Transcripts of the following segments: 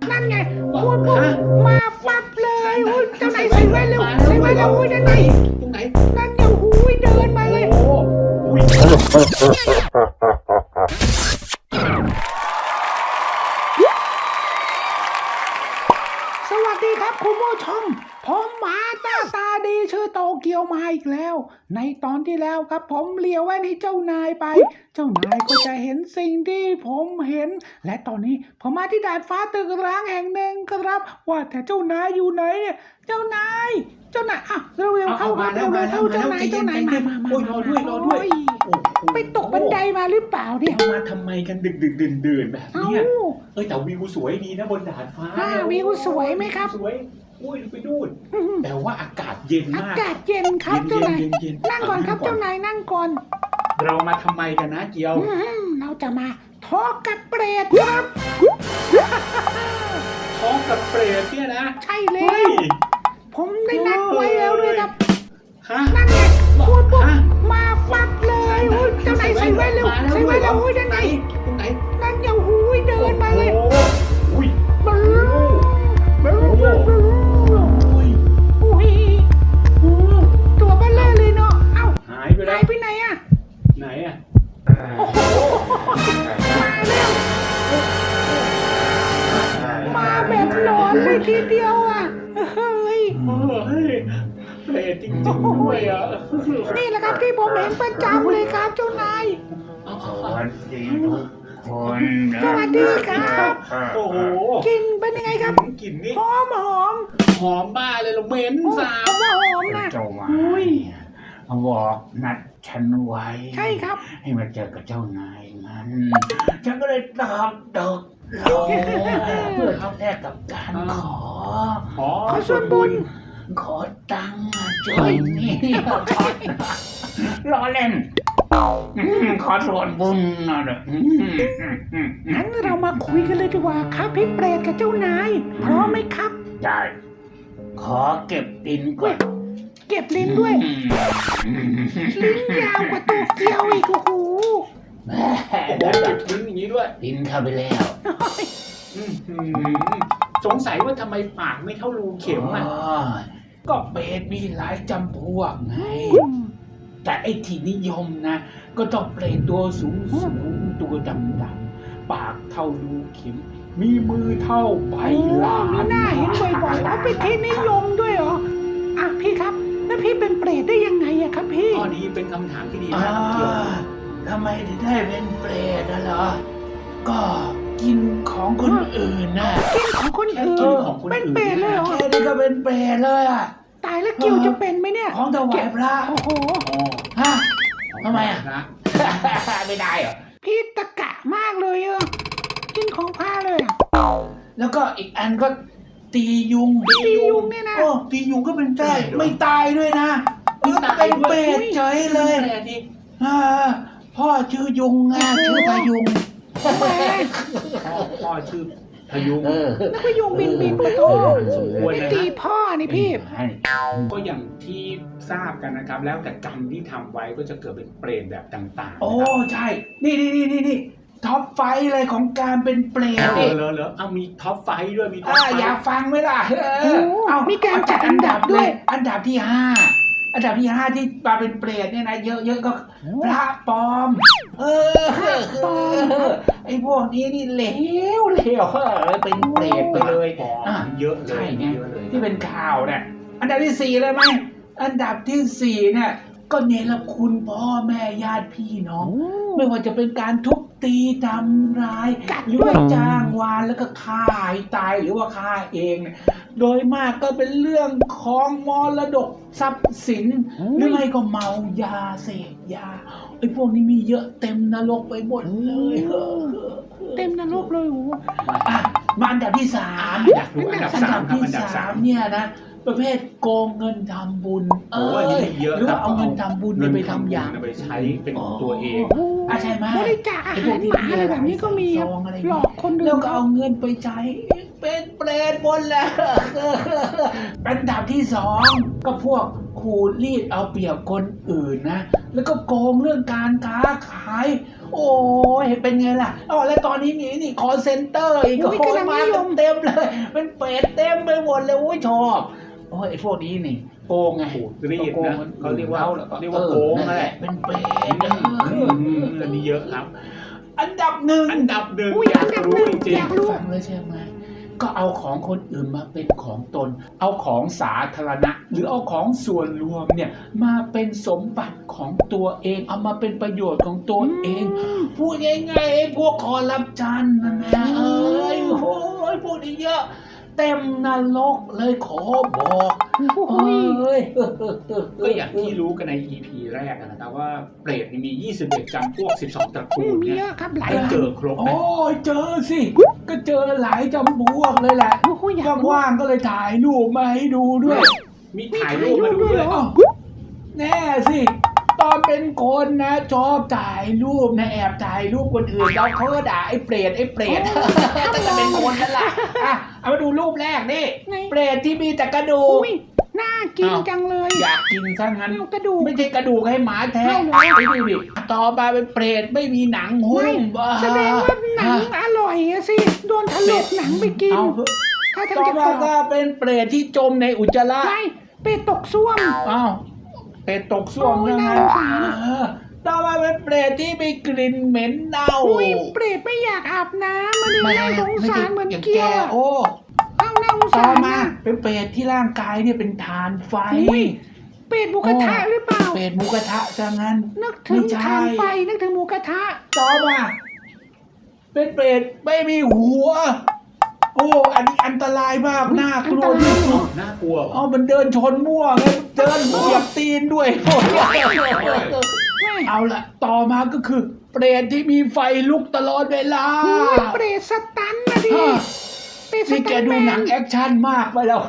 นั่นไงพูดปุ๊บมาปั๊บเลยโอ้ยเจ้านายใส่แว่นเร็วใส่แว่นเร็วโอ้ยนั่นไงตรงไหนนั่นไงโอ้ยเดินมาเลยโอ้อุ้ยสวัสดีครับคุณผู้ชมผมหมาหน้าตาดีชื่อโตเกียวมาอีกแล้ว ในตอนที่แล้วครับผมเลี้ยวแว่นให้เจ้านายไป เจ้านายก็จะเห็นสิ่งที่ผมเห็น และตอนนี้ผมมาที่ดาดฟ้าตึกร้างแห่งหนึ่งครับ ว่าแต่เจ้านายอยู่ไหนเนี่ยเจ้านายอ่ะเร็วๆเข้าครับเร็วๆเข้าเจ้านายมาโอ้ยรอด้วยโอ้ยไปตกบันไดมาหรือเปล่าเนี่ยมาทำไมกันดึกดื่นแบบเอ้าเนี้ยแต่วิวสวยดีนะบนดาดฟ้าวิวสวยไหมครับสวยอุ้ยไปดูดแต่ว่าอากาศเย็นอามากกาศเย็นครับเจ้านายเย็นนั่งก่อนครับเจ้านายนั่งก่อนเรามาทำไมกันนะเกียวเราจะมาทอล์กกับเปรตครับท้องกับเปรตเนี่ยนะใช่แล้เฮ้วย ผมได้นัดไว้แล้วด้วยครับฮะนั่นไงพูดปุ๊บฮะมาปั๊บเลยโอ้ยเจ้านายใส่แว่นเร็วใส่แว่นเร็วโอ้ยนั่นไงตรงไหนนั่นไงโอ้ยเดินมาเลยอุ้ยบลูบลูบลูอุ้ยอุ้ยตัวเบลเลอร์เลยเนาะเอ้าหายไปแล้หายว ไปไหนอะไหนอ่ะโอ้โหมาแล้วมาแบบหลอนเลยทีเดียวอะเฮ้ยเฮ้ยเปรตจริงๆด้วยอ่ะนี่แหละครับที่ผมเห็นประจำเลยครับเจ้านายสวัสดีทุกคนสวัสดีครับโอ้โหกินเป็นยังไงครับกลิ่นนี่หอมหอมบ้าเลยเราเหม็นผมสาบว่าหอมนะเจ้ามาบอกนัดฉันไว้ใช่ครับให้มาเจอกับเจ้านายมันฉันก็เลยตอบตกลงเพื่อทำแลกกับการขอขอขอส่วนบุญขอตังค์ช่วยนี่ล้อเล่นขอส่วนบุญหน่อยเด้องั้นเรามาคุยกันเลยดีกว่าครับพี่เปรตกับเจ้านายพร้อมไหมครับได้ขอเก็บดินก่อนเก็บลิ้นด้วย ลิ้นยาวกว่าตัวเกียวอีกโอ้โหโอ้โหเก็บลิ้นอย่างนี้ด้วยดินเข้าไปแล้วอื้อหือสงสัยว่าทำไมปากไม่เท่ารูเข็มอ่ะก็เปรตมีหลายจำพวกไง แต่ไอ้ที่นิยมนะ ก็ต้องเปรตตัวสูงตัวดำปากเท่ารูเข็ม มีมือเท่าใบลามีนหน้าเห็นบ่อยๆเอาเป็นที่นิยมด้วยเหรออ่ะพี่ครับแล้วพี่เป็นเปรตได้ยังไงอะครับพี่ข้อนี้เป็นคำถามที่ดีอ่ามากเกี่ยวทำไมถึงได้เป็นเปรตนะเหรอ ก็กินของคนอื่นน่ะกินของคนอื่นกินของคนเป็นอื่นเปรตเลยเหรอแค่นี้ก็เป็นเปรตเลยอ่ะตายแล้วเกียวจะเป็นไหมเนี่ยของถวายพระโอ้โหอ๋อฮะทำไมอ่ะนะไม่ได้เหรอพี่ตะกะมากเลยอะกินของพระเลยอะแล้วก็อีกอันก็ตียุงตียุงเนี่ยนะโอ้ตียุงก็เป็นได้ไม่ตายด้วยนะแล้วก็เป็นเปรตเฉยเลยแปรที่อ่าพ่อชื่อยุงอ่ะชื่อพายุงแหมพ่อชื่อพยุงนึกว่ายุงบินมาโตสมควรไม่นะตีพ่อนี่พี่ก็อย่างที่ทราบกันนะครับ แล้วแต่กรรมที่ทำไว้ก็จะเกิดเป็นเปรตแบบต่างๆโอ้นะครับใช่ นี่ท็อปไฟว์เลยของการเป็นเปรตเนี่ยเหรอเอามีท็อปไฟว์ด้วยมีท็อปไฟอยากว์ฟังไหมล่ะโอ้มีการจัดอันดับด้วยอันดับที่ 5 อันดับที่ 5 ที่มาเป็นเปรตเนี่ยนะเยอะๆก็พระปลอม ไอ้พวกนี้นี่เลวเป็นเปรตไปเลยเยอะเลใช่ยไงเยอะเลยที่เป็นข่าวเนี่ยอันดับที่ 4เลยไหมอันดับที่ 4เนี่ยก็เนรคุณพ่อแม่ญาติพี่น้อง ไม่ว่าจะเป็นการทุบตีทำร้ายกัดหรือด้วยว่าจ้างวานแล้วก็ฆ่าให้ตายหรือว่าฆ่าเองเนี่ยโดยมากก็เป็นเรื่องของมรดกทรัพย์สิน หรือไม่ก็เมายาเสพยาไอ้พวกนี้มีเยอะเต็มนรกไปหมดเลยเต็มนรกเลยโอ้โหอ่ะมาอันดับที่ 3 อยากรู้อันดับอันสาดัมบครับที่อันดับสาม 3เนี่ยนะประเภทโกงเงินทำบุญโอ้อันนี้เยอะหรือครัว่าบเอาเงินทำบุญเนี่ยไปทำอย่างไปใช้เป็นของตัวเองใช่ไหมบริจาคอาหารหมาอะไรแบบนี้ก็มีซองอะไรหลอกคนอื่นแล้วก็เอาเงินไปใช้เป็นเปรตหมดแล้วอันดับที่ 2 ก็พวกขูดรีดเอาเปรียบคนอื่นนะแล้วก็โกงเรื่องการค้าขายโอ้ยเป็นไงล่ะอ๋อแล้วตอนนี้มีนี่คอเซ็นเตอร์อีกอุ๊ยโอ้ยกำลังมานิยมเต็มเลยเป็นเป็ดเต็มไปหมดเลยโอ้ยชอบโอ้ยไอ้พวกนี้นี่โกงไงขูดรีดนะเขาเรียกว่าแล้วเรียกว่าโกงนั่นแหละเป็นเป็ดอันนี้เยอะครับอันดับหนึ่งอันดับหนึ่งอุ้ยอยาอักนดับรู้หนึ่งจริงอยากรู้ฟังเลยใช่ไหมก็เอาของคนอื่นมาเป็นของตน เอาของสาธารณะ หรือเอาของส่วนรวมเนี่ยมาเป็นสมบัติของตัวเอง เอามาเป็นประโยชน์ของตัวเอง พูดง่ายๆไอ้พวกคอร์รัปชันนั่นนะเอ้ยโอ้ยพูดอีกเยอะเต็มนรกเลยขอบอกโอ้เอ้ยยก็อย่างที่รู้กันใน EP แรกนะครับว่าเปรตนี่มี 21 จำพวก 12 ตระกูลเยเนี่ยอะครับหลายได้เจอครบไหมโอ้ยเจอสิ ก็เจอหลายจำพวกเลยแหละโอ้โหอยากรู้ว่างๆก็เลยถ่ายรูปมาให้ดูด้วยมีถ่ายรูปมาดูด้วยอ้าวแน่สิ ตอนเป็นคนนะชอบถ่ายรูปนะแอบถ่ายรูปคนอื่นแล้วเขาก็ด่าไอ้เปรตแต่จะเป็นคนนั่นแหละอ่ะเอามาดูรูปแรกนี่ไงเปรตที่มีแต่กระดูกอุ้ยน่ากินจังเลยอยากกินซะงั้นเอากระดูกไม่ใช่กระดูกให้หมาแท้เอาเหรอไอ้นี่ดิต่อมาเป็นเปรตไม่มีหนังหุ้ไม่มบ้าแสดงว่าหนังอร่อยอะสิโดนถลกหนังไปกินเอาถ้าทางต่อจะกรมาอบก็เป็นเปรตที่จมในอุจจาระไม่เป็ดตกซ่วมอ้าวเปรตตกส้วมโอ้ยยังไงน่าสงสารต่อมาเป็นเปรตที่มีกลิ่นเหม็นเน่าอุ้ยเปรตไม่อยากอาบน้ำมันเลยน่าสงสารเหมือนเกี้ยวอะโอ้เอาน่าสงต่อสารมานะเป็นเปรตที่ร่างกายเนี่ยเป็นฐานไฟอุ้ย เป็ดหมูกระทะหรือเปล่าเปรตหมูกระทะซะงั้นนึกถึงไม่ใช่ทานไฟนึกถึงหมูกระทะต่อมาเป็นเปรตไม่มีหัว โอ้อันนี้อันตรายมากน่ากลัวที่สุดน่ากลัวเหรอเอามันเดินชนมั่วไงเดินเหยียบตีนด้วยโอ้ยไม่เอาละต่อมาก็คือ เปรตที่มีไฟลุกตลอดเวลาอุ้ยเปรตสตันนะดิฮะเปรตสนี่แกตันดูแมหนันงแอคชั่นมากไปแล้ว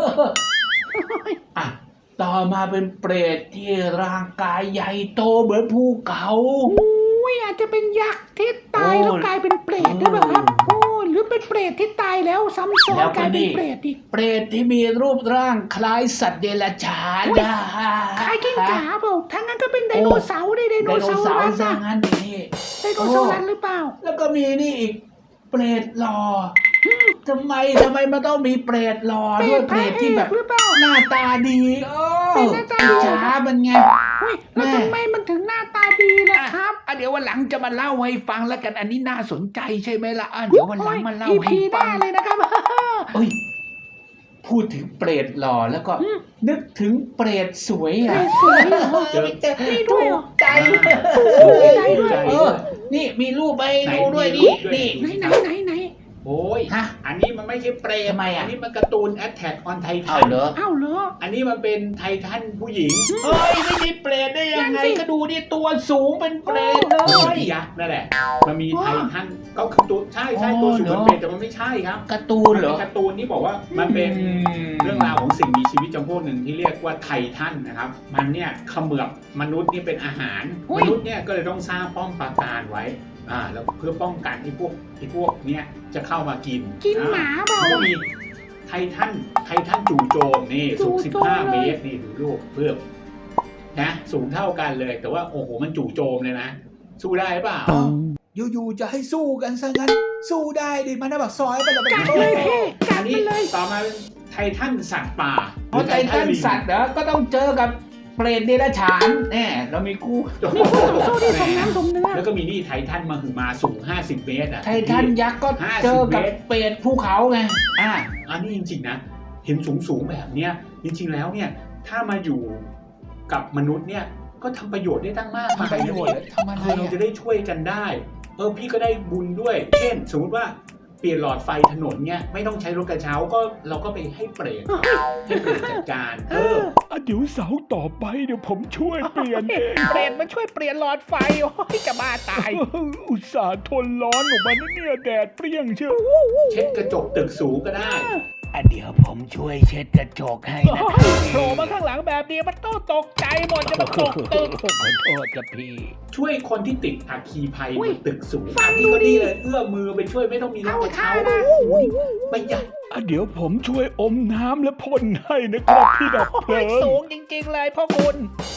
อ่ะต่อมาเป็นเปรตที่ร่างกายใหญ่โตเหมือนภูเขาอุ้ยอาจจะเป็นยักษ์ที่ตายแล้วกลายเป็นเปรตหรือเปล่าครับโอ้หรือเป็นเปรตที่ตายแล้วซ้ำซ้อนกลายเป็นเปรตอีกเปรตที่มีรูปร่างคล้ายสัตว์เดรัจฉานอุ๊ยนะคล้ายกิ้งก่าเปล่าถ้างั้นก็เป็นไดโนเสาร์ดิไดไดโนโนเสาร์เสารัร์สซะอะงั้นนี่ไดโนเสาร์รัสหรือเปล่าแล้วก็มีนี่อีก เปรตหล่อทำไมมันต้องมีเปรตหล่อเปรด้วยตเปรตที่แบบหรือเปล่าหน้าตาดีเเป็นหน้าตาดีช้ามันไงอุ้ยแล้วทำไมมันถึงหน้าตาดีล่ะครับเดี๋ยววันหลังจะมาเล่าให้ฟังแล้วกันอันนี้น่าสนใจใช่ไหมล่ะเดี๋ยววันหลังมาเล่าโอ้ยให้ EP หฟัน้าง เลยนะครับเอ้ยพูดถึงเปรตหล่อแล้วก็อืมนึกถึงเปรตสวยอ่ะเปรตสวยเหรอเจอนี่ด้วยเหรอใจใจด้วยนี่มีรูปไปดูด้วยไหนนี่มีรูปด้วยนี่ไหนโอ้ยฮะอันนี้มันไม่ใช่เปรตทำไมอ่ะอันนี้มันการ์ตูน Attack on เอา Titan เหรอเอ้าเหรออันนี้มันเป็นไททันผู้หญิงเฮ้ยไม่มีเปรตได้ยังไงนั่นสิก็ดูดิตัวสูงเป็นเปรตเลมันยมียักษ์นั่นแหละ มันมีว้าไททันก็คือตัวใช่อ๋อตัวสูงเหรอเป็นเปรตแต่มันไม่ใช่ครับการ์ตูมัน นเหรเป็อนการ์ตูนที่บอกว่ามันเป็นเรื่องราวของสิ่งมีชีวิตจำพวกหนึ่งที่เรียกว่าไททันนะครับ มันเนี่ยเขมือบมนุษย์นี่เป็นอาหารอุ๊มยนุษย์เนี่ยก็เลยต้องสร้างป้อมปราการไว้แล้วเพื่อป้องกันไอ้พวกเนี่ยจะเข้ามากินกินหมาเปล่าก็อะมีไททันจู่โจมนี่สูงจู่โจม 15 เลยเมตรนี่ดูรูปเพื่อนะสูงเท่ากันเลย แต่ว่าโอ้โหมันจู่โจมเลยนะ สู้ได้เปล่าอยู่ๆจะให้สู้กันซะงั้น สู้ได้ดิมันน่ะแบบซอยไปแล้วกัดเลยพี่กัอัดนไปนี้เลยต่อมาเป็นไททันสัตว์ป่าเพราะไททันลิงสัตว์เหรอก็ต้องเจอกับเปรตเดรัจฉานแน่เรามีคู่นี่คู่ต่อสู้ที่สมน้ำสมเนื้อแล้วก็มีนี่ไททันมาคือมาสูง 50 เมตรอ่ะไททันยักษ์ก็เจอกับเปรตภูเขาไงอันนี้จริงๆนะ เห็นสูงแบบเนี้ยจริงๆแล้วเนี่ยถ้ามาอยู่กับมนุษย์เนี่ยก็ทำประโยชน์ได้ตั้งมากมายทำประโยชน์ทำอะไรเราจะอ่ะได้ช่วยกันได้พี่ก็ได้บุญด้วย เช่น สมมติว่าเปลี่ยนหลอดไฟถนนเนี่ยไม่ต้องใช้รถกระเช้าก็เราก็ไปให้เปรตจัดการเอเดี๋ยวเสาร์ต่อไปเดี๋ยวผมช่วยเปลี่ยนเองเปรตมันช่วยเปลี่ยนหลอดไฟโอ้ยจะบ้าตายอุตส่าห์ทนร้อนออกมาเนี่ยแดดเปรี้ยงเชียวเช็ดกระจกตึกสูงก็ได้เดี๋ยวผมช่วยเช็ดกระจกให้นะโผล่มาข้างหลังแบบนี้มันต้องตกใจหมดจะมาตกตึกขอโทษกับพี่ช่วยคนที่ติดอัคคีภัยอุ้บยนตึกสูงฟังพี่ดูก็ดิดีเลยเอื้อมมือไปช่วยไม่ต้องมีรถเอากระท่าเช้านะประหยัดเดี๋ยวผมช่วยอมน้ำและพ่นให้นะครับพี่ดับเพลิงสูงจริงๆเลยพ่อคุณ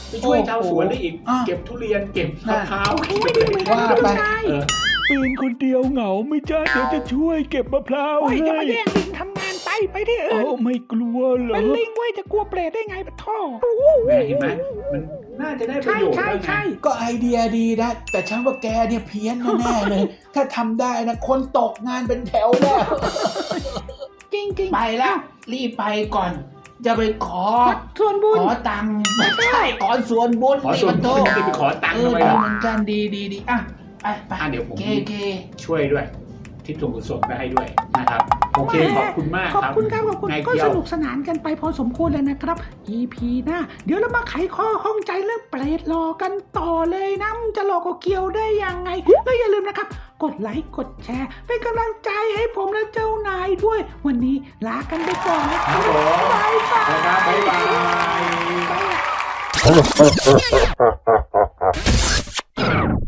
ไปช่วยชาวสวนได้อีกอ่ะเก็บทุเรียนเก็บมะพร้าวโอเคไม่ดีเหมือนกันว่าเจ้าไปนายเออเป็นคนเดียวเหงาไม่จ้าเดี๋ยวจะช่วยเก็บมะพร้าวโอ้ยจะให้มาแย่งลิงทำงานไปที่อื่เอ้าน ไม่กลัวเหรอเป็นลิงเว้ยจะกลัวเปรตได้ไงปะท่อแม่เห็นไหมมันน่าจะได้ประใช่โยชน์ใช่แล้วไงใช่ก็ไอเดียดีนะ แต่ฉันว่าแกเนี่ยเพี้ยนแน่ๆเลย ถ้าทำได้นะ คนตกงานเป็นแถวแล้วจริงๆไปแล้ว รีบไปก่อน จะไปขอส่วนบุญขอตังค์ไม่ใช่ขอส่วนบุญขอส่วนบุญนี่จะไปขอตังค์เออทำไมดีล่ะเหมือนกันดีอ่ะไปเดี๋ยวผมเคช่วยด้วย ทิศส่วนกุศลไปให้ด้วยนะครับ โอเคขอบคุณมากขอบครับคุณครับขอบคุณนายก็เกียสวนุกสนานกันไปพอสมควรเลยนะครับ EP หน้าเดี๋ยวเรามาไขข้อข้องใจเรื่องเปรตหลอกกันต่อเลยนะมันจะหลอกกับเกียวได้ยังไงแล้วอย่าลืมนะครับ กดไลค์กดแชร์เป็นกำลังใจให้ผมและเจ้านายด้วย วันนี้ลากันไปก่อนนะคครัรับบผมบ๊ายบายนะครับบ๊ายบายบ๊ายบาย